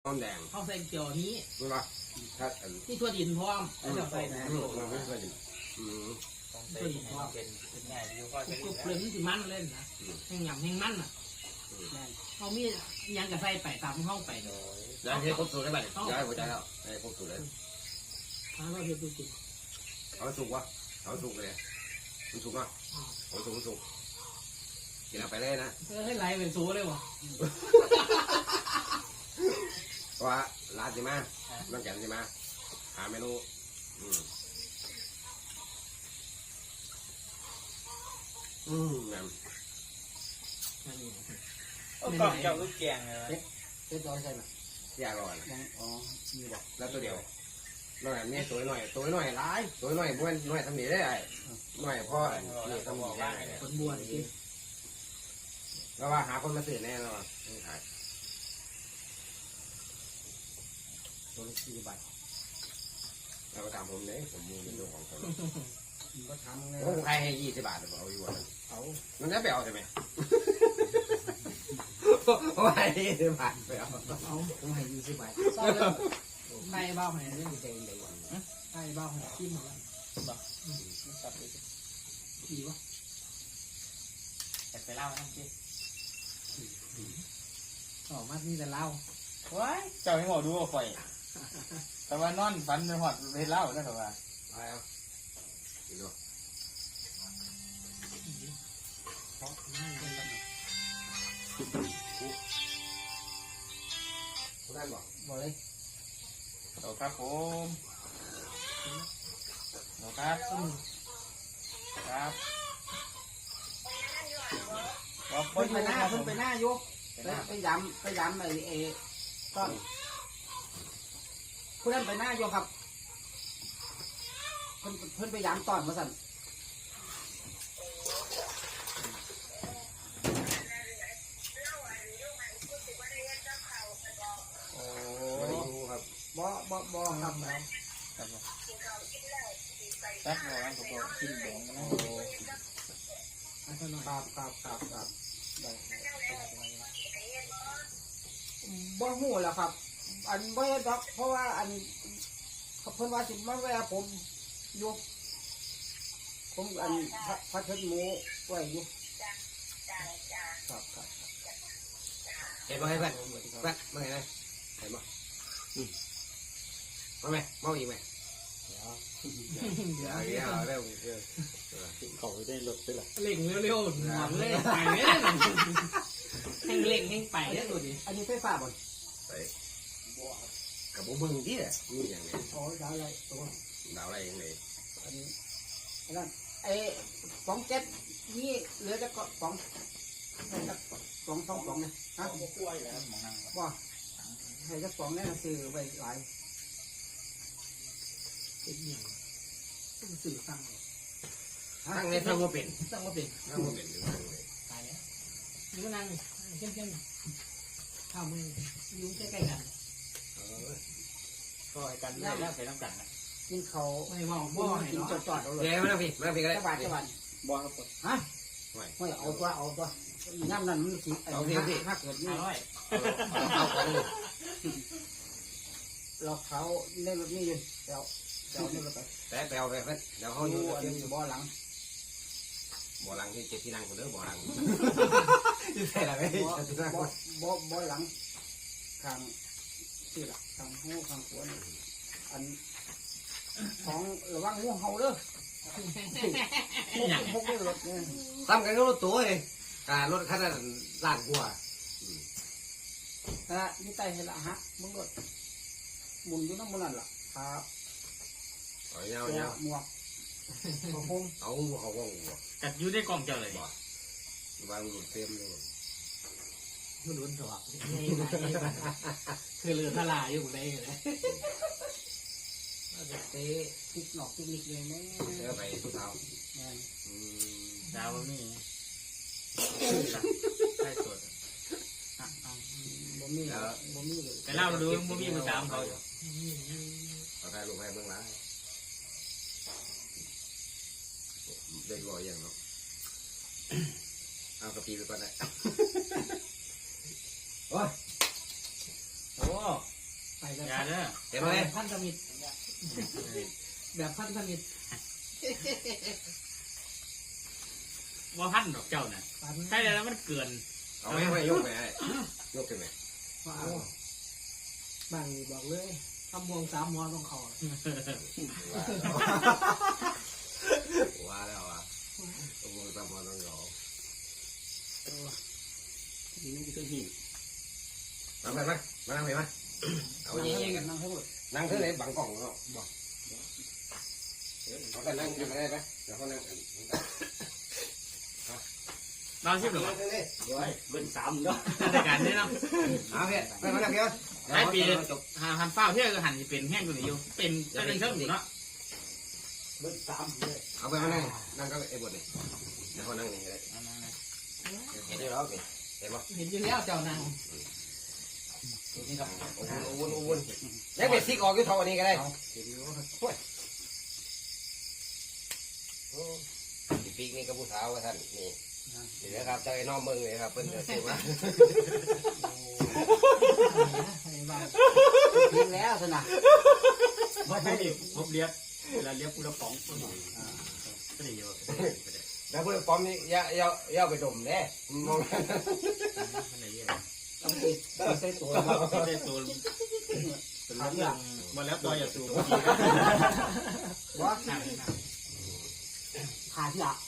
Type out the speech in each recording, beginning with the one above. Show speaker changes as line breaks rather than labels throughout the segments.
หอมแดง
เขาใส่เกี่ยวนี้
รู้ป่ะถ้า
ที่ทั่วดินพร้อมแล้วใส่นะ
มันไม่เคยดิ
ต้องใส่เป็นง่ายอยู่ก็จะ
กรุบเลยมันสิมันเล่นนะแห้งหยำแห้งมันอ่ะเขามียังกับใส่ไปตามเข้าไปเลย
ย้ายเทครบสูตรได้ป่ะย้ายหัวใจแล้วให้ครบสูตรเลย
ถ้าเราเห็นดูจริง
เอาสุกวะเอาสุกเลยมันสุกอ่ะเอาสุกกินเอาไปเลยนะ
ให้ไหลเป็นซูเลยวะ
เพราะว่าร้านใช่ไหมน้ำแข็งใช่ไหมหาเมนูแม่
กล่องเจ้าลูกแกงเลย
เรียบร้อยใช่ไหม
ยากก่อน
อ๋อมีบอก
แล้วตัวเดียวน้อยนี่ตัวน้อยร้ายตัวน้อยบ้วนน้อยทำหนีได้น้อยพ่อนี่ต้องบอกว่า
คนบวชกิน
แล้วว่าหาคนมาซื้อแน่นอนไม่ขายตัว4 บาทเราก็ตามผมเลยผมมูเป็นเรื่องของเขา
ก็ทำเลย
ผมขายให้20 บาทเอาอยู่วันเอามันจะไปเอาใช่ไหมโอ้ย20 บาทไปเอา
ผมให้20 บาทใต้เบ้าให้เรื่องเต็มเลยใต้เบ้าให้ขี้หมดแล้วดีวะ
แต่ไปเล่านั่งกิน
ออกมานี่แต่เล่า
ว้ายเจ้าให้หมอดูว่าข่อยแต่ว่านอนฝันในหอดไปเล่าแล้วแต่ว่า
ไปเอาดู
เพราะนั่งเป็นแบบ
คุณท่านบอก
บอกเลย
ต่อครับผมต่อครับครับบอก
เพิ่นไปหน้า
เพิ่
เพิ่นไปหน้ายกไปย้ำไอ้ต้นผู้นั้นไปหน้ายกครับเพิ่นไปย้ำตอนมาสั่น
โอ้
ไม่ได้ดูครับ
บ่ครับ
ครับแป๊บรอกันผมบอกกินแดงนะ
ครับบ่หูแล้วครับ อันบ่เฮ็ดดอกเพราะว่าอันเพิ่นว่าสิมาแวะผมอยู่ผมอันพัดเทิดหมูไว้อยู่ครับ
เห็นไหมเพื่อนเพื่อนเมื่อไงนะเห็นไหมมาไหมมาอีกไหมเดี๋ยวเร็วเขาได้รถไปหรอ
เล่งเร็วๆหอมเลยไปเลยแห้งเล่งแห้งไปเนี่ยดูดิอันนี้ไฟฟ้าบ่
ไปกับพวกมึงที่อ่ะนี่อย่างนี้
อ๋อดาวอะไรตัว
ดาวอะไรอย่างนี้
อันนี้นั่นไอ้สองเจ็ดนี่เหลือจะก็สองเนี่ยฮะ
กล้วยแล้วมองนั่ง
ว่าให้จะสองเนี่ยซื้อไปหลายเป็นอย่างต้องซื้อตั้ง
ตั้งในตั้งว่าเป็น
ตั้งว่าเป็น
ตั้งว่าเป็นหรือตั้งเลย
ตายแล้วนี่ก็นั่งเข้มๆข้าวมือยุ่งใกล้ๆกัน
ก็กันได้แล้วไปน้ำกันนะ
กินเขาไม่ว่าบ่ให้กินจอดๆเอาเลย
เดี๋ยวมาพี่ก็ได้
จังหวัด
บอลครับผม
ฮะไม่เอาตัวน้ำนั่นมันสิถ้าเกิดนี่
อร่อย
เอาของ
เราเขาเล่นรถนี่อยู่เดี๋ยวเล่นรถไป
แต่แปลไปเพื่อนเดี๋ยวเขา
เขา
อ
อยู่ ยู่
ที่
บ่อหลัง
บ่อลังที่7 ที่นั่งคนเด้อบ่อลังที่ใส่อะไรไม่ที่นั่ง
บ่อหลังข้างที่ละข้างหูข้างขวานอันของระวังงูเห่าเด้อพกได้รถเนี่ย
ทำกันก็รถตัวเองรถคันนั้นล้านกว่า
นี่ไตให้ละฮะมึงรถหมุนอยู่น้ำมันนั่นล่ะครับ
เอาเงา
หมวกผม
เอาเขาก็หัว
กัดยูได้กล่องเจ้าเลย
วางหลุดเต็มเลย
มันลุ้นถอดคือเรือทลายอยู่ได้เลยเตะติดหนอกติดนิกเลยแม่
เดี๋ยวไปทุกเท้า
ดาวนี่ใช่สด
บ่มีเลย
ไปเล่าดูบ่มีมือสามเขา
เอาใครลงให้เบื้องหลังเด็กรออย่างเนาะเอากระปีไปก่อนได้โอ้ย
โอ้
แบบ
อย่าเด้อ
เห็นไหม
พันธมิตรแบบพันธมิตร
ว่าพันดอกเจ้าน่ะ
ฝัน
ใช่แล้วมันเกิน
เอาไม่ยกไปไอ้ยกไปไหม
ว่าเอาบางนี่บอกเลยทำวง3 หัวต้องเขา
ว่าแล้วว่าตัวมันตามมาต้องรอ
ทีนี้ก็หิน
นั่งไปไหมมานั่งไปไหมเอาเย่ๆกัน
นั่งให้หมด
นั่งเท่าไหร่บังกล่องเนาะบอกเขาแต่นั่งอยู่ได้ไหมเดี๋ยวเขานั่ง
นอนชิบหรือ
นั่งเท่าไหร่
เดี๋ยวเบิ้ล3เนาะ
รายการนี้เนาะ
เอาเพี่ไปมานั่งเพี่ย
หลายปีหันเฝ้าเที่ยวก็หันเป็นแห้งกว่านี้อยู่เป็นเชิงอยู่เนาะ
เบิ้ล3เลย
เอาไปมานั่งนั่งก็ไอ้บทนี่เดี๋ยวเขานั่งนี่เลยเห็นอยู่แล้วสิเห็นปะ
เห็นอยู่แล้วเจ้านาง
นี่ครับ
อุ่นแล้วเป็ดซิกออกอยู่เท่านี้ก็ได้
เห็นอยู่
ปีกนี่ก็ผู้สาวว่าท่านนี่นี่นะครับเจ้าไอ้น้องเมืองเลยครับเพิ่นจะซื้อมา
ให้บ้าง
เพียงแล้วสินะ
ว่าใช่ดิพบเลียบเวลาเลียบกูละป๋องก็ได้เยอะ
แล้วพวกป้อมนี่ย่าไปดมเด้มอง
มันได้เยอะ
ต้องติดใส่ตัว
ได้ตัวเป็นเรื่องมาแล้วตัวอย่าสูบ
ว่าขาดที่ละ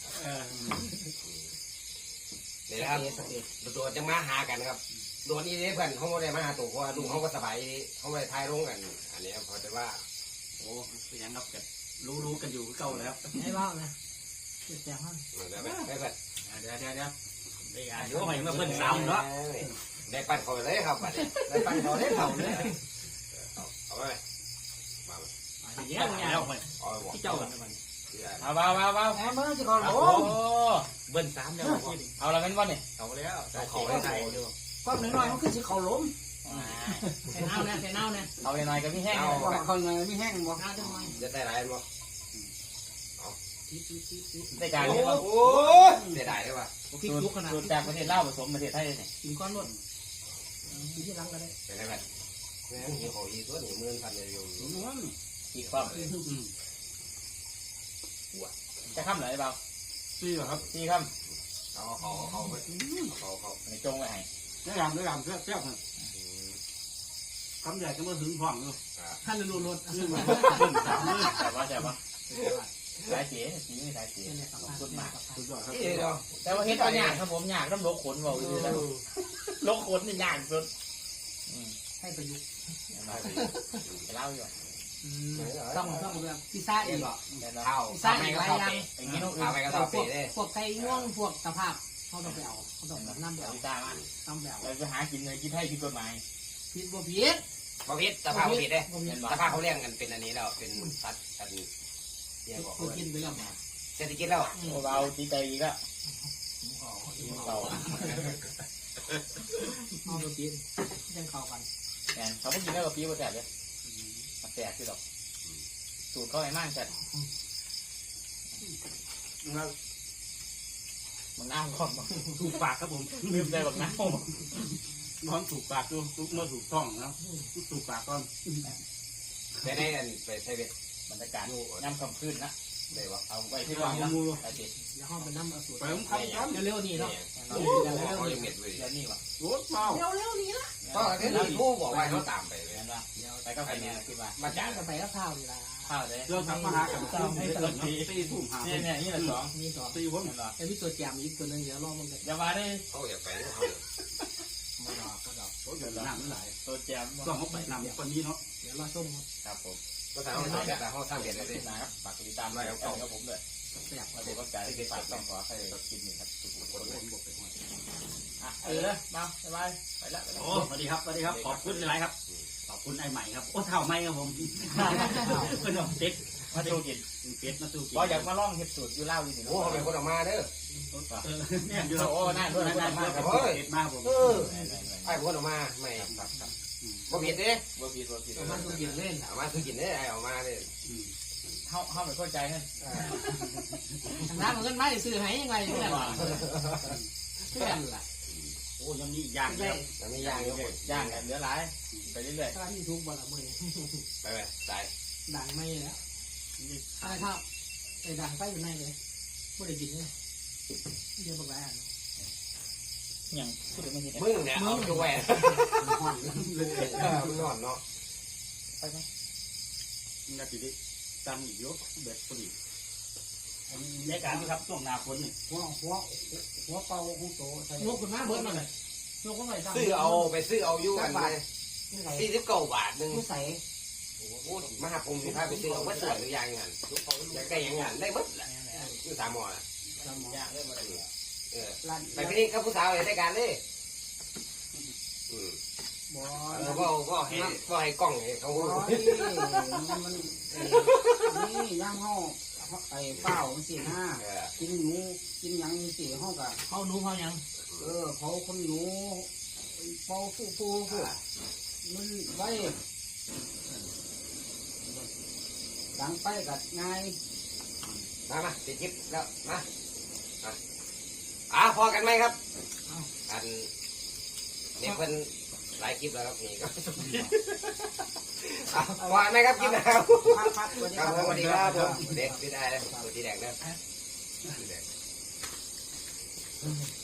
นี่นะครับตัวจะมาหากันครับโดนนี่เพื่อนเขาไม่ได้มาหาตัวเพราะว่าลุงเขาก็สบายเขาไม่ได้ทายลงกันอันนี้พอจะว่า
โอ้เป็นยังกับกันรู้กันอยู่เก่าแล้ว
ให้บ้างนะแจกห้อง
ได้ไหมได้เพื่อน
เดี๋ยวได้อายุใหม่มาเบิ้ล3เนาะ
ได้ปั้นเขาเลยครับได้ปั้นเขาเลยเขาเลยเอาไปมา
เยอะแล้วไป
เอาไปบอก
ที่เจ้ากันมัน
เอาแอมเบอร์จะก่อน
โอ้
โอ้
เบิ้ล3แล้วเอาละเป็นวันนี่เอาแล้วเขาได้ใจดู
ความน้อยๆมันคือสิเขาล้ม
ใส่เน่าเนี่ยใส่เน่าเนี่ย
เอาหน่อยกับพี่แห้ง
เขาหน่อยไม่แห้งบ่
เน่าจังหน่อย
จะได้ไรมั้ง
ได้การ
โอ้
นี้ว่า
โหได้ได้ได้ป่ะ
พริกลุกขนาด
สูตรจากประเทศลาวผสมประเทศไทยเนี่ย
กินก้อนรถกินที่รังก็ได้
เป็นไรแบบแม่งหิวเขาอีกตัวหนึ่งหมื่นพันเลยอยู่
อีกความจะข้ามไหนเปล่า
ซี่เหรอครับ
ที่ข้าม
เขา
ในจงไว้ให้
ได้รำเสี้ยวคำใหญ่ก็มาถึงผ่องอยู่
ท่านรูรถ
ซึ่งมัน
แต่ว่าสายเสียสีไม่สายเสียสุดมาก
สุดยอดครับ
เดี๋ยว
แต่ว่าเฮ็ดก็ยากครับผมยากต้องลกขนบอกอยู่แล้วลกขนนี่ยากสุด
ให้ประยุกต์
จะเล่าอยู่
ต้องแบบพิซซ่าอีก
ข้าว
พิซซ่าอีกหลายอย่าง
อย่างนี้ต้อง
ข้าวไปก็ต้องเปรี้ย
พวกไก่ง่วงพวกสภาพเขาต้องไปเอาเขาต้องแบบน้ำแบบ
พิซซ่ามาก
น้ำแบบ
เราจะหากินเลยกินให้กินกฎหมาย
พิษบ่พิษ
บพิษสภาพผิดเลย
บ่พิษ
สภาพเขาเลี้ยงกันเป็นอันนี้แล้วเป็นสัตว์กันเลี้ยงบอก
บ่กินไปแล้ว
เศรษฐกิจแล้ว
เบาตีใจอีกแล้วเบา
เอาบ่กินยังเข้ากัน
แอนเขาไม่กินแล้วกับปีว่าแสบเลยมันแสบที่ดอกสูตรเขาไอ้มากจัดมันน้ำก่อนถูกปากครับผมลืมใจแบบน้ำ
น้องถูกปากดูเมื่อถูกต้องนะถูกปากก่อน
ไปได้กันไปใช้เบ็ด
บรรยากาศย่ำคำขึ้นนะ
ได้ปะ
เอาไว้ที่วางนะไอ้ติด
แล้วห้องไปน้ำเอาสูตร
ไปผมทำกัน
เร็วๆนี่เนาะ
เขายังเม็ดเลย
เดี๋ยวนี้วะ
รถเมา
เร็วๆนี่ละ
ก็ที่ผู้บอกว่าเขาตามไป
เห็นปะไปก็ไปเนี่ยคิดว่า
มาจา
จ้าก งกันไปแล้วข้าวนี่ละ
ข้าวเลย
เรื่องทำมาหากันให้เกิดตีทุ่มหา
เนี่ยนี่ละสอง
มีสอง
ตีผม
เห็นปะ
แต่มีตัวแจมอีกตัวนึงเดี๋ยวรอมันกัน
อย่ามาได้
เขาอยากไปเขา
มาดอกมาดอก
โอ้ยเดี๋ยวน้ำมันไหล
ตัวแจม
ต้องเขาไปนำคนนี้เนาะ
เดี๋ยวรอส้มครับ
ครับผม
ก็ถามเขาแต่เขาสร้างเบ็ดเลยสิ
นะครับฝากติดตามด้วยครับผมด้วย
อยาก
มาดูก็ใจที่ฝากต้องขอให้กินหนึ่งครับทุกคน
คนบอกไปหมด
มาสบายไปแล้ว
โอ้สวัสดีครับสวัสดีครับขอบคุณหลายครับขอบคุณไอ้ใหม่ครับโอ้เท่าไม่ครับผมเพื่อนของเป็ด
มาดูกิน
เป็ดมาสู้กิน
ก็อยากมาล่องเห็ดสูตรอยู่เล่าอยู่นี่
โอ้เขาเป็นคนออกมาเด้อ
เนี่ยอยู่โอ้นั่นด้วยนั่นด้วยเป็ดมาผม
ไอ้คนออกมาไม่ครับครับบ่ผิดเด้
บ่ผิดบ่ผิด
มันต้องกินเล่น
ออกมาคือกินได้ไอ้ออกมาเลย
เข้าไม่เข้าใจนั่น
น้ำมันก็ไม่ซื้อให้ยังไงเพื่อนเพื่อนล่ะ
โอ้ยังมีย่างแล้ว
มันมีย่างอยู่คน
ย่างกันเหลือหลายไปเรื่อย
ถ้าที่ทุกบ่ละมื้อนี้
ไปไปตาย
ดังไม่แล้วอะไรครับไอ้ดังไปอยู่ในเลยบ่ได้กินเลยเดี๋ยวบักหลายอัน
ๆอย่างพูดถึงไม่เห็น
มึงเนี่ยเอาตัวแหวน
ห่อนเลย
มึงนอนเนาะ
ไปไหมมันจะติดจำอีกเยอะเบ็ดพอดีในการที่ครับช่วงหน้าฝนนี่
หัวเป่าของโตใส่
ยกขึ้นมาเบิดมาเลยยกขึ้นมาตั้ง
ซื้อเอาไปซื้อเอาอยู่อันนี้
ไม่ใส่
49 บาทนึง
ไม่ใส่
โอ้โหมหาภูมิสิพาไปซื้อเอาวัดสวยหรือยังงานอยากได้ยังงานได้หมดแหละอยู่สามหมอน่ะ
สมอง
ย่างเลยมาเลย
เออ
ร้าน
ไปที่นี่กับผู้สาวเลยได้การเลย
บ่
ก็ให้กล้องให้เขา
บ่มันนี่ย่างห่อไอ้เป้ามันสิหน้ากินหนูกินหยังสิห้องกะ
เขาหนูเขายัง
เขาคนหนูเป่าฟูมันไว้ดังไปกัดง่าย
มาติดคลิปแล้วมาพอกันไหมครับอันเนี่ยเพิ่นหลายคลิปแล้วครับนี่ก็ว่าไหมครับคลิปนะครับ
พักวันนี้
ครับสวัสดีครับผมเด็กที่ได้แล้วตัวที่แดงเด้อ